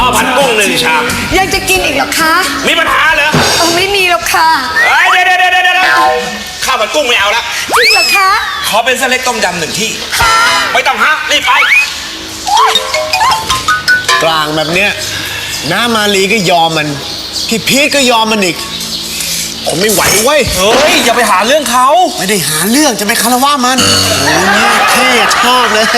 ผัดกุ้ง1 ชามยังจะกินอีกเหรอคะมีปัญหาเหรอไม่มีหรอกค่ะเดี๋ยวข้าวผัดกุ้งไม่เอาละจริงเหรอคะขอเป็นเส้นเล็กต้มยำ1 ที่ไม่ต้องฮะรีบไปกลางแบบเนี้ยน้ามาลีก็ยอมมันพี่พีทก็ยอมมันอีกผมไม่ไหวเว้ยเฮ้ยอย่าไปหาเรื่องเขาไม่ได้หาเรื่องจะไปคารวะมันโอ้ยเท่ชอบเลย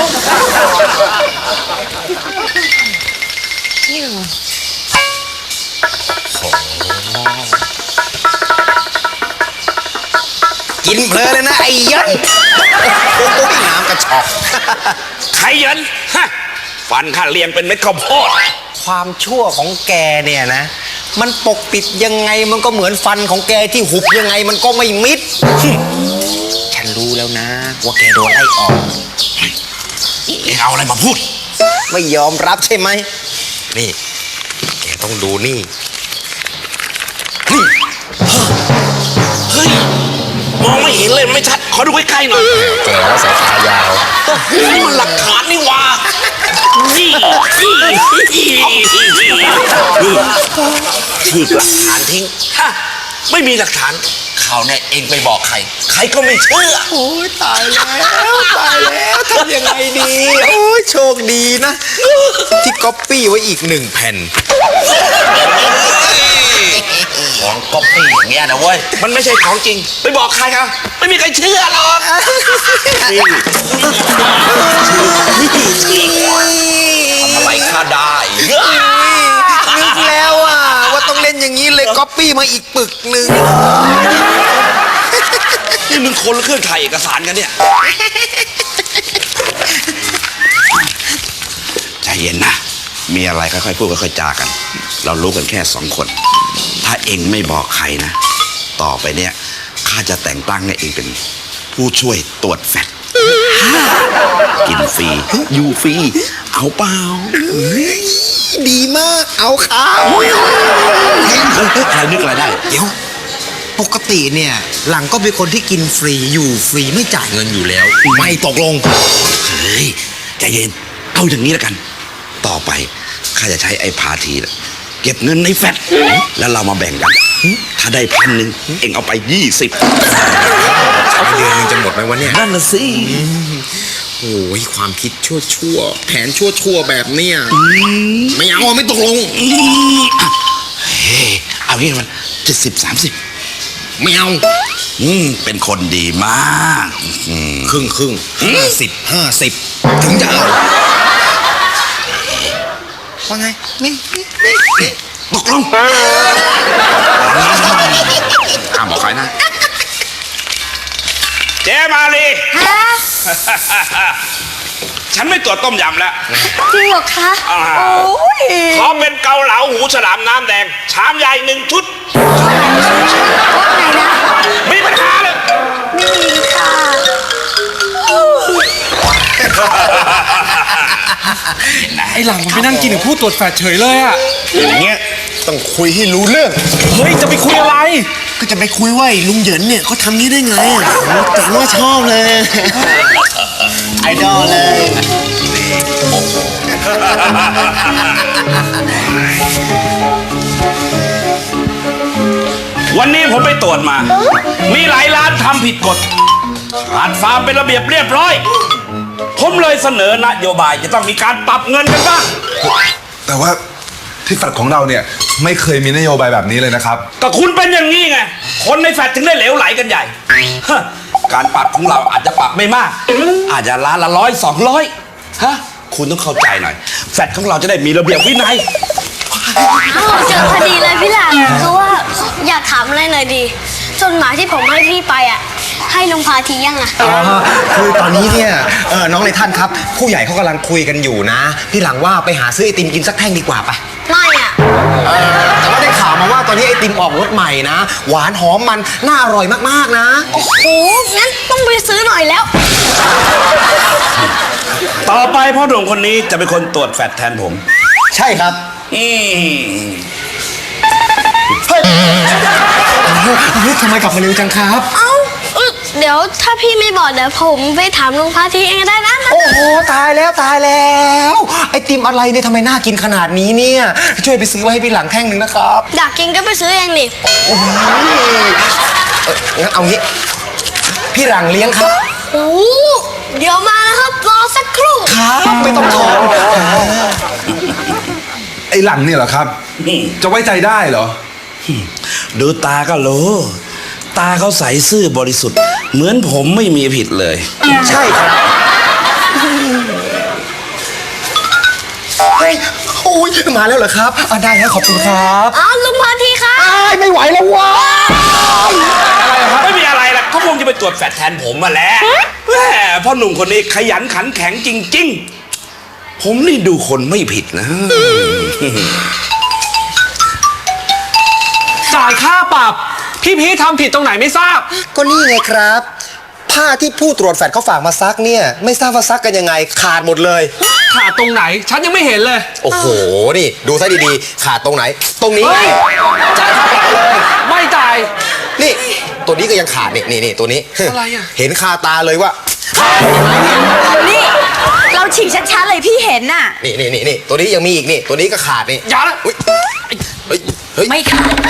กินเพลินเลยนะไอ้ยันโอ้ยน้ำกระชอกใครยันฮะฟันข้าเรียงเป็นเม็ดข้าวโพดความชั่วของแกเนี่ยนะมันปกปิดยังไงมันก็เหมือนฟันของแกที่หุบยังไงมันก็ไม่มิดฉันรู้แล้วนะว่าแกโดนไล่ออกเอาอะไรมาพูดไม่ยอมรับใช่ไหมนี่แกต้องดูนี่เฮ้ยมองไม่เห็นเลยไม่ชัดขอดูใกล้ๆหน่อยแกว่าสายตายาวนี่มันหลักฐานนี่วะนี่ฉีกหลักฐานทิ้งฮะไม่มีหลักฐานข่าวเนี่ยเองไปบอกใครใครก็ไม่เชื่อโอ้ยตายแล้วทำยังไงดีโอ้ยโชคดีนะที่ก๊อปปี้ไว้อีก1 แผ่นของก๊อปปี้อย่างเงี้ยนะเว้ยมันไม่ใช่ของจริงไปบอกใครครับไม่มีใครเชื่อหรอกทำอะไรข้าได้นึกแล้วว่าต้องเล่นอย่างนี้เลยก๊อปปี้มาอีกปึกหนึ่งนี่มึงคนละเครื่องถ่ายเอกสารกันเนี่ยใจเย็นนะมีอะไรค่อยๆพูดค่อยๆจากันเรารู้กันแค่2 คนถ้าเองไม่บอกใครนะต่อไปเนี่ยข้าจะแต่งตั้งให้เองเป็นผู้ช่วยตรวจแฟตกินฟรีอยู่ฟรีเอาเปล่าดีมากเอาข้าวใครนึกอะไรได้เดี๋ยวปกติเนี่ยหลังก็เป็นคนที่กินฟรีอยู่ฟรีไม่จ่ายเงินอยู่แล้วไม่ตกลงเฮ้ยใจเย็นเอาอย่างนี้แล้วกันต่อไปข้าจะใช้ไอ้พาทีเก็บเงินในแฟตแล้วเรามาแบ่งกันถ้าได้1,000เอ็งเอาไป20 เดือนนึงจะหมดไหมวะเนี่ยนั่นน่ะสิโอ้ยความคิดชั่วแผนชั่วแบบเนี้ยไม่เอาไม่ตกลงเอางี้มัน70-30 ไม่เอาเป็นคนดีมากครึ่ง50ถึงจะเอาว่าไงนี่ตกลงบอกใครนะเจ๊มาลีฉันไม่ตรวจต้มยำแล้วจริงเหรอคะขอเป็นเกาเหลาหูฉลามน้ำแดงชามใหญ่1 ชุดว่าไงนะมีปัญหาเลยไม่มีค่ะไอ้หลังมันไปนั่งกินกับผู้ตรวจแฟตเฉยเลยอะอย่างเงี้ยต้องคุยให้รู้เรื่องเฮ้ยจะไปคุยอะไรก็จะไปคุยว่าลุงเหยินเนี่ยเขาทำนี้ได้ไงจังว่าชอบเลยไอดอลเลยวันนี้ผมไปตรวจมามีหลายร้านทำผิดกฎขาดความเป็นระเบียบเรียบร้อยผมเลยเสนอนโยบายจะต้องมีการปรับเงินกันบ้างแต่ว่าที่แฟลตของเราเนี่ยไม่เคยมีนโยบายแบบนี้เลยนะครับก็คุณเป็นอย่างนี้ไงคนในแฟลตถึงได้เหลวไหลกันใหญ่การปรับของเราอาจจะปรับไม่มากอาจจะล้านละ100-200ฮะคุณต้องเข้าใจหน่อยแฟลตของเราจะได้มีระเบียบวินัยเจอพอดีเลยพี่หลังคือว่าอยากถามอะไรหน่อยดีจดหมายที่ผมให้พี่ไปให้ลุงพาทียังคือตอนนี้เนี่ยน้องในท่านครับผู้ใหญ่เขากำลังคุยกันอยู่นะพี่หลังว่าไปหาซื้อไอติมกินสักแท่งดีกว่าปะไม่แต่ว่าได้ข่าวมาว่าตอนนี้ไอติมออกรสใหม่นะหวานหอมมันน่าอร่อยมากๆนะโอ้โหงั้นต้องไปซื้อหน่อยแล้วต่อไปพ่อหนุ่มคนนี้จะเป็นคนตรวจแฟตแทนผมใช่ครับเฮ้ยทำไมกลับมาเร็วจังครับเดี๋ยวถ้าพี่ไม่บอกเดี๋ยวผมไปถามลุงพาทีเองก็ได้นะโอ้โหตายแล้วตายแล้วไอติมอะไรเนี่ยทำไมน่ากินขนาดนี้เนี่ยช่วยไปซื้อไว้ให้พี่หลังแท่งหนึ่งนะครับอยากกินก็ไปซื้อเองดิโอ้โหงั้นเอางี้พี่หลังเลี้ยงครับโอ้เดี๋ยวมานะครับรอสักครู่ครับไม่ต้องถอนไอ้หลังเนี่ยเหรอครับ จะไว้ใจได้เหรอดูตาก็รู้ ตาเขาใสซื่อบริสุทธิ์ เหมือนผมไม่มีผิดเลยใช่ครับเฮ้ยโอ้ยมาแล้วเหรอครับได้แล้วขอบคุณครับอ้าวลุงพาทีครับอ้ายไม่ไหวแล้วว้าไม่มีอะไรล่ะเขาคงจะไปตรวจแฟตแทนผมมาแล้วแหมพ่อหนุ่มคนนี้ขยันขันแข็งจริง ๆ ผมนี่ดูคนไม่ผิดนะจ่ายค่าปรับ พี่พีชทำผิดตรงไหนไม่ทราบก็นี่ไงครับ ผ้าที่ผู้ตรวจแฟตเขาฝากมาซักเนี่ยไม่ทราบว่าซักกันยังไงขาดหมดเลยขาดตรงไหน ฉันยังไม่เห็นเลยโอ้โหนี่ดูซะดีๆขาดตรงไหน ตรงนี้ไงจ่ายค่าปรับเลยไม่จ่ายนี่ตัวนี้ก็ยังขาดนี่ตัวนี้อะไรอะเห็นคาตาเลยว่านี่ เราฉีกชัดๆเลยพี่เห็นน่ะนี่ตัวนี้ยังมีอีกนี่ตัวนี้ก็ขาดนี่อย่าละอุ๊ยเฮ้ยไม่ขาด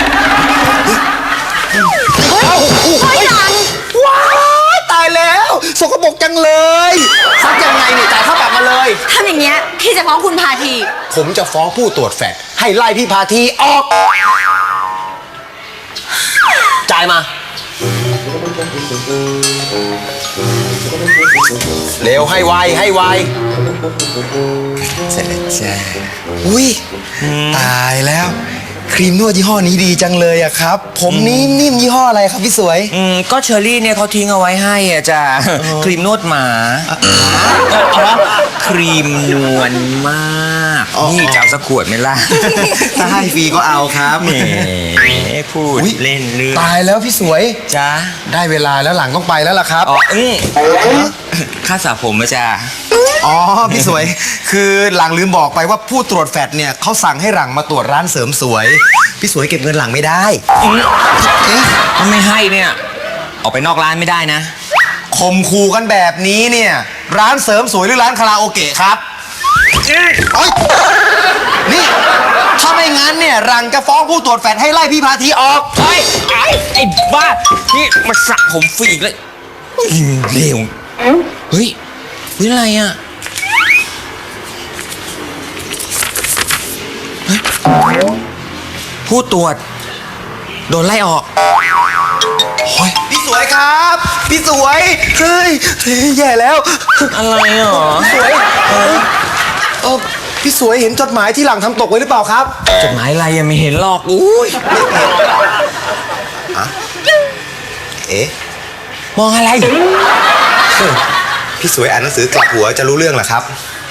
เฮ้ยหลังว้ายตายแล้วสกปรกจังเลยซักยังไงเนี่ยจ่ายค่าปรับมาเลยทำอย่างเงี้ยพี่จะฟ้องคุณพาทีผมจะฟ้องผู้ตรวจแฟตให้ไล่พี่พาทีออกจ่ายมา เร็วให้ไวให้ไวเสร็จแล้วจ้าอุ้ยตายแล้ว ครีมนวดยี่ห้อนี้ดีจังเลยอะครับ ผมนิ่มยี่ห้ออะไรครับพี่สวยก็เชอรี่เนี่ยเขาทิ้งเอาไว้ให้อ่ะจ้ะครีมนวดหมาครีมนวลมากนี่จะเอาสักขวดไหมล่ะถ้าให้ฟรีก็เอาครับแหมพูดอุ๊ยเล่นเรื่องตายแล้วพี่สวยจ้ะได้เวลาแล้วหลังต้องไปแล้วล่ะครับอ๋อค่าสระผมอะจ้ะอ๋อพี่สวย คือหลังลืมบอกไปว่าผู้ตรวจแฟตเนี่ยเขาสั่งให้หลังมาตรวจร้านเสริมสวย พี่สวยเก็บเงินหลังไม่ได้ถ้าไม่ให้เนี่ย ออกไปนอกร้านไม่ได้นะข่มขู่กันแบบนี้เนี่ยร้านเสริมสวยหรือร้านคาราโอเกะครับเอ้ยนี่ถ้าไม่งั้นเนี่ยหลังจะฟ้องผู้ตรวจแฟตให้ไล่พี่พาทีออกเฮ้ยไอ้บ้า นี่มาสระผมฟรีอีกเลยเร็วเฮ้ยนี่อะไรอ่ะเฮ้ยผู้ตรวจ โดนไล่ออกพี่สวยครับ พี่สวยเฮ้ยแย่แล้วอะไรหรอพี่สวยพี่สวยเห็นจดหมายที่หลังทำตกไว้หรือเปล่าครับจดหมายอะไรยังไม่เห็นหรอกอุ้ยเอ๊ะมองอะไรพี่สวยอ่านหนังสือกลับหัวจะรู้เรื่องเหรอครับ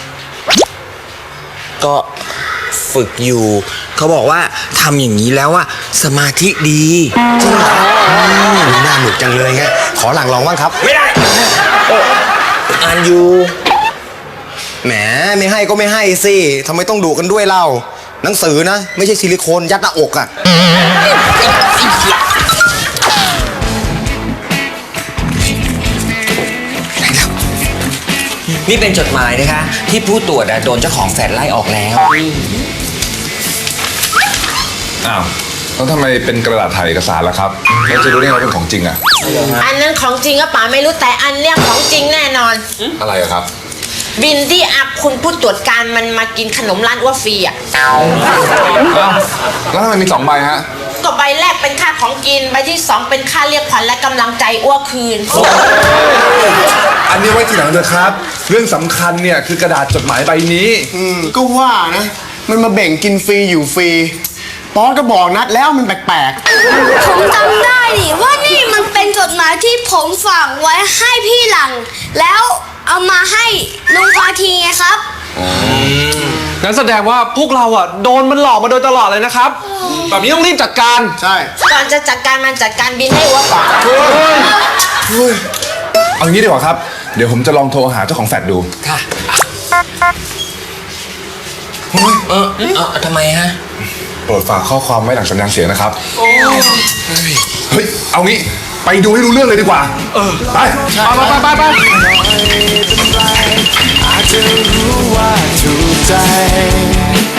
ก็ฝึกอยู่ เขาบอกว่าทำอย่างนี้แล้วว่าสมาธิดีจริงเหรอน่าหนุกจังเลยไงขอหลังลองบ้างครับไม่ได้อ่านอยู่แหมไม่ให้ก็ไม่ให้สิทำไมต้องดุกันด้วยเล่าหนังสือนะ ไม่ใช่ซิลิโคนยัดหน้าอกอะนี่เป็นจดหมายนะคะ ที่ผู้ตรวจอะโดนเจ้าของแฟลตไล่ออกแล้วอ้าวแล้วทำไมเป็นกระดาษถ่ายเอกสารล่ะครับเราจะรู้ได้ไงว่าเป็นของจริงอะอันนั้นของจริงก็ป๋าไม่รู้แต่อันเนี้ยของจริงแน่นอนอะไรอะครับบินที่อักคุณผู้ตรวจการมันมากินขนมร้านอ้วฟรีอ่ะอ้าวแล้วทำไมมี2ใบฮะก็ใบแรกเป็นค่าของกินใบที่สองเป็นค่าเรียกขวัญและกำลังใจอ้วคืนอันนี้ไว้ทีหลังเถอะครับ เรื่องสำคัญเนี่ยคือกระดาษจดหมายใบนี้ก็ว่านะ มันมาแบ่งกินฟรีอยู่ฟรีป๊อก็บอกนัดแล้วมันแปลกผมจำได้ดิว่านี่มันเป็นจดหมายที่ผมฝากไว้ให้พี่หลัง แล้วเอามาให้ลุงพาทีไงครับงั้นแสดงว่าพวกเราอ่ะโดนมันหลอกมาโดยตลอดเลยนะครับ แบบนี้ต้องรีบจัดการๆ ใช่ก่อนจะจัดการมันจัดการบินให้อ้วก่อนเอางี้ดีกว่าครับ เดี๋ยวผมจะลองโทรหาเจ้าของแฟลตดูค่ะทำไมฮะโปรดฝากข้อความไว้หลังสัญญาณเสียงนะครับ เฮ้ย เอางี้ไปดูให้รู้เรื่องเลยดีกว่า ไปไปอาจจะรู้ว่าถูกใจ